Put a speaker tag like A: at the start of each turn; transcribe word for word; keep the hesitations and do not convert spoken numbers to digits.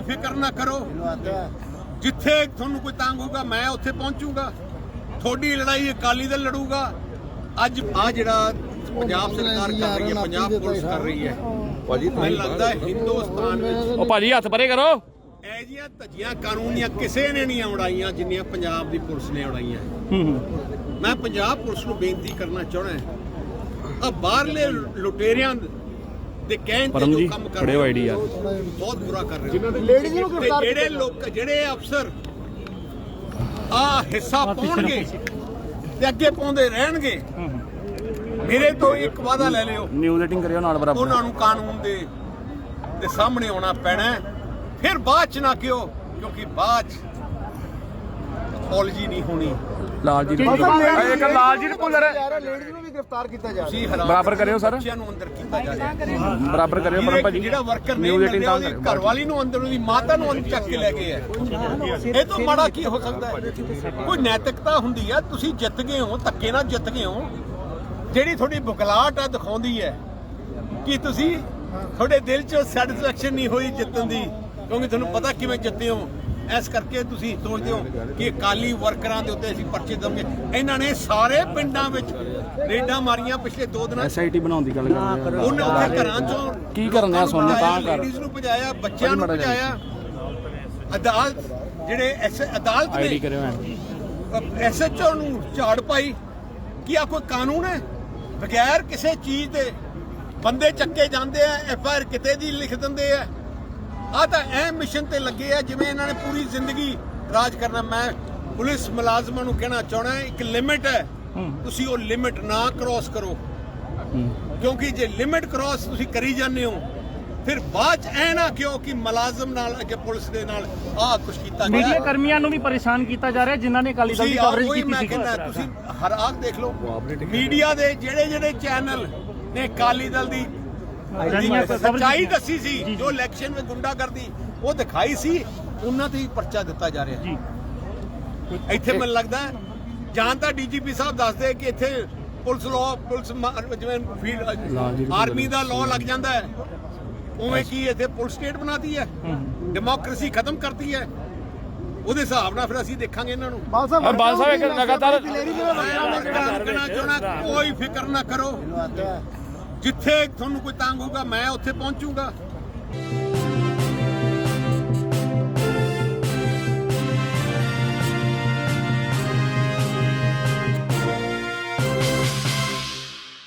A: ਫਿਕਰ ਨਾ ਕਰੋ, ਜਿੱਥੇ ਤੁਹਾਨੂੰ ਕੋਈ ਤੰਗ ਹੋਊਗਾ ਮੈਂ ਉੱਥੇ ਪਹੁੰਚੂਗਾ। ਤੁਹਾਡੀ ਲੜਾਈ ਅਕਾਲੀ ਦਲ ਲੜੂਗਾ। ਅੱਜ ਆ ਜਿਹੜਾ ਪੰਜਾਬ ਸਰਕਾਰ ਕਰ ਰਹੀ ਹੈ, ਪੰਜਾਬ ਪੁਲਿਸ ਕਰ ਰਹੀ ਹੈ, ਮੈਨੂੰ ਲੱਗਦਾ ਹਿੰਦੁਸਤਾਨ ਵਿੱਚ
B: ਉਹ ਭਾਜੀ ਹੱਥ ਪਰੇ ਕਰੋ।
A: ਇਹ ਜਿਹੀਆਂ ਧੱਜੀਆਂ ਕਾਨੂੰਨੀਆਂ ਕਿਸੇ ਨੇ ਨਹੀਂ ਉਡਾਈਆਂ ਜਿੰਨੀਆਂ ਪੰਜਾਬ ਦੀ ਪੁਲਿਸ ਨੇ ਉਡਾਈਆਂ। ਮੈਂ ਪੰਜਾਬ ਪੁਲਿਸ ਨੂੰ ਬੇਨਤੀ ਕਰਨਾ ਚਾਹੁੰਦਾ, ਆ ਬਾਹਰਲੇ ਲੁਟੇਰਿਆਂ ਦੇ ਕਹਿਣ ਤੇ ਜੋ ਕੰਮ ਕਰ ਰਹੇ ਹੋ ਬਹੁਤ ਬੁਰਾ ਕਰ ਰਹੇ ਹੋ। ਜਿਹੜੇ ਲੋਕ ਜਿਹੜੇ ਅਫਸਰ ਆ ਹਿੱਸਾ ਪਾਉਣਗੇ ਤੇ ਅੱਗੇ ਪਾਉਂਦੇ ਰਹਿਣਗੇ, ਮੇਰੇ ਤੋਂ ਇੱਕ ਵਾਅਦਾ ਲੈ ਲਿਓ,
B: ਨਿਊਜ਼ ਐਡਿਟਿੰਗ ਕਰਿਓ ਨਾਲ ਬਰਾਬਰ।
A: ਉਹਨਾਂ ਨੂੰ ਕਾਨੂੰਨ ਦੇ ਦੇ ਸਾਹਮਣੇ ਆਉਣਾ ਪੈਣਾ। ਫਿਰ ਬਾਅਦ ਚ ਨਾ ਕਿਉਂ, ਕਿਉਂਕਿ ਬਾਅਦ ਚ ਪੋਲਿਜੀ ਨਹੀਂ ਹੋਣੀ।
B: ਲਾਲਜੀਤ ਇੱਕ ਲਾਲਜੀਤ ਭੁੱਲਰ
C: ਲੇਡੀਜ਼ ਨੂੰ ਵੀ ਗ੍ਰਿਫਤਾਰ ਕੀਤਾ ਜਾ
A: ਤੁਸੀਂ ਹੈਰਾਨ
B: ਬਰਾਬਰ ਕਰਿਓ ਸਰ,
A: ਬੱਚਿਆਂ ਨੂੰ ਅੰਦਰ ਕੀਤਾ ਜਾ ਰਿਹਾ।
B: ਬਰਾਬਰ ਕਰਿਓ ਪਰਮ ਭਾਜੀ।
A: ਜਿਹੜਾ ਵਰਕਰ ਨਹੀਂ ਮਿਲ ਰਿਹਾ, ਉਹਦੀ ਘਰ ਵਾਲੀ ਨੂੰ ਅੰਦਰ, ਉਹਦੀ ਮਾਤਾ ਨੂੰ ਅੰਦਰ ਚੱਕ ਕੇ ਲੈ ਗਏ ਆ। ਇਹ ਤੋਂ ਮਾੜਾ ਕੀ ਹੋ ਸਕਦਾ ਹੈ? ਕੋਈ ਨੈਤਿਕਤਾ ਹੁੰਦੀ ਹੈ। ਤੁਸੀਂ ਜਿੱਤ ਗਏ ਹੋ, ਧੱਕੇ ਨਾਲ ਜਿੱਤ ਗਏ ਹੋ। ਜਿਹੜੀ ਤੁਹਾਡੀ ਬੁਖਲਾਹਟ ਆ ਦਿਖਾਉਂਦੀ ਹੈ ਕਿ ਤੁਸੀਂ, ਤੁਹਾਡੇ ਦਿਲ 'ਚ ਸੈਟੀਸਫੈਕਸ਼ਨ ਨਹੀਂ ਹੋਈ ਜਿੱਤਣ ਦੀ, ਕਿਉਂਕਿ ਤੁਹਾਨੂੰ ਪਤਾ ਕਿਵੇਂ ਜਿੱਤੇ ਹੋ। ਇਸ ਕਰਕੇ ਤੁਸੀਂ ਸੋਚਦੇ ਹੋ ਕਿ ਅਕਾਲੀ ਵਰਕਰਾਂ ਦੇ ਉੱਤੇ ਅਸੀਂ ਪਰਚੇ ਦਵਾਂਗੇ। ਇਹਨਾਂ ਨੇ ਸਾਰੇ ਪਿੰਡਾਂ ਵਿੱਚ ਰੇਡਾਂ ਮਾਰੀਆਂ ਪਿਛਲੇ ਦੋ ਦਿਨਾਂ।
B: ਐਸ ਆਈ ਟੀ ਬਣਾਉਣ ਦੀ ਗੱਲ ਕਰ ਰਹੇ
A: ਉਹਨੇ ਉੱਥੇ ਘਰਾਂ 'ਚੋਂ
B: ਕੀ ਕਰਨ ਆ ਸੋਨੂੰ ਤਾਂ ਕਰ
A: ਲੇਡੀਜ਼ ਨੂੰ ਭਜਾਇਆ, ਬੱਚਿਆਂ ਨੂੰ ਭਜਾਇਆ। ਅਦਾਲਤ ਜਿਹੜੇ ਐਸ ਅਦਾਲਤ
B: ਆਈਡੀ ਕਰਿਓ
A: ਐਸ ਐਚ ਓ ਨੂੰ ਝਾੜ ਪਾਈ ਕਿ ਆ ਕੋਈ ਕਾਨੂੰਨ ਹੈ? ਬਗੈਰ ਕਿਸੇ ਚੀਜ਼ ਦੇ ਬੰਦੇ ਚੱਕੇ ਜਾਂਦੇ ਆ, ਐਫ ਆਈ ਆਰ ਕਿਤੇ ਦੀ ਲਿਖ ਦਿੰਦੇ ਆ। ਆ ਤਾਂ ਐ ਮਿਸ਼ਨ ਤੇ ਲੱਗੇ ਆ ਜਿਵੇਂ ਇਹਨਾਂ ਨੇ ਪੂਰੀ ਜ਼ਿੰਦਗੀ ਰਾਜ ਕਰਨਾ। ਮੈਂ ਪੁਲਿਸ ਮੁਲਾਜ਼ਮਾਂ ਨੂੰ ਕਹਿਣਾ ਚਾਹਣਾ, ਇੱਕ ਲਿਮਿਟ ਹੈ, ਤੁਸੀਂ ਉਹ ਲਿਮਿਟ ਨਾ ਕ੍ਰੋਸ ਕਰੋ, ਕਿਉਂਕਿ ਜੇ ਲਿਮਿਟ ਕ੍ਰੋਸ ਤੁਸੀਂ ਕਰੀ ਜਾਂਦੇ ਹੋ ਫਿਰ ਬਾਅਦ ਚ ਐ ਨਾ ਕਿਉਂ ਕਿ ਮੁਲਾਜ਼ਮ ਨਾਲ ਅੱਗੇ ਪੁਲਿਸ ਦੇ ਨਾਲ ਆਹ ਕੁਝ ਕੀਤਾ ਗਿਆ।
B: ਮੀਡੀਆ ਕਰਮੀਆਂ ਨੂੰ ਵੀ ਪਰੇਸ਼ਾਨ ਕੀਤਾ ਜਾ ਰਿਹਾ ਜਿਨ੍ਹਾਂ ਨੇ ਅਕਾਲੀ ਦਲ ਦੀ ਕਵਰੇਜ ਕੀਤੀ ਸੀ।
A: ਤੁਸੀਂ ਹਰ ਆਖ ਦੇਖ ਲਓ, ਮੀਡੀਆ ਦੇ ਜਿਹੜੇ ਜਿਹੜੇ ਚੈਨਲ ਨੇ ਅਕਾਲੀ ਦਲ ਦੀ ਸੱਚਾਈ ਦੱਸੀ ਸੀ, ਜੋ ਇਲੈਕਸ਼ਨ ਵਿੱਚ ਗੁੰਡਾਗਰਦੀ ਉਹ ਦਿਖਾਈ ਸੀ, ਉਹਨਾਂ ਤੇ ਹੀ ਪਰਚਾ ਦਿੱਤਾ ਜਾ ਰਿਹਾ ਜੀ। ਇੱਥੇ ਮੈਨੂੰ ਲੱਗਦਾ ਜਾਂ ਤਾਂ ਡੀ ਜੀ ਪੀ ਸਾਹਿਬ ਦੱਸਦੇ ਕਿ ਇੱਥੇ ਪੁਲਿਸ ਲਾਅ, ਪੁਲਿਸ ਜਿਵੇਂ ਆਰਮੀ ਦਾ ਲਾਅ ਲੱਗ ਜਾਂਦਾ ਹੈ, ਉਵੇਂ ਕੀ ਇੱਥੇ ਪੁਲਿਸ ਸਟੇਟ ਬਣਾਤੀ ਹੈ, ਡੈਮੋਕ੍ਰੇਸੀ ਖਤਮ ਕਰਤੀ ਹੈ। ਉਹਦੇ ਹਿਸਾਬ ਨਾਲ ਫਿਰ ਅਸੀਂ ਦੇਖਾਂਗੇ ਇਹਨਾਂ ਨੂੰ।
B: ਬਾਲ ਸਾਹਿਬ ਇੱਕ ਲਗਾਤਾਰ
A: ਕੋਈ ਫਿਕਰ ਨਾ ਕਰੋ, ਜਿੱਥੇ ਤੁਹਾਨੂੰ ਕੋਈ ਤੰਗ ਹੋਊਗਾ ਮੈਂ ਉੱਥੇ ਪਹੁੰਚੂਗਾ।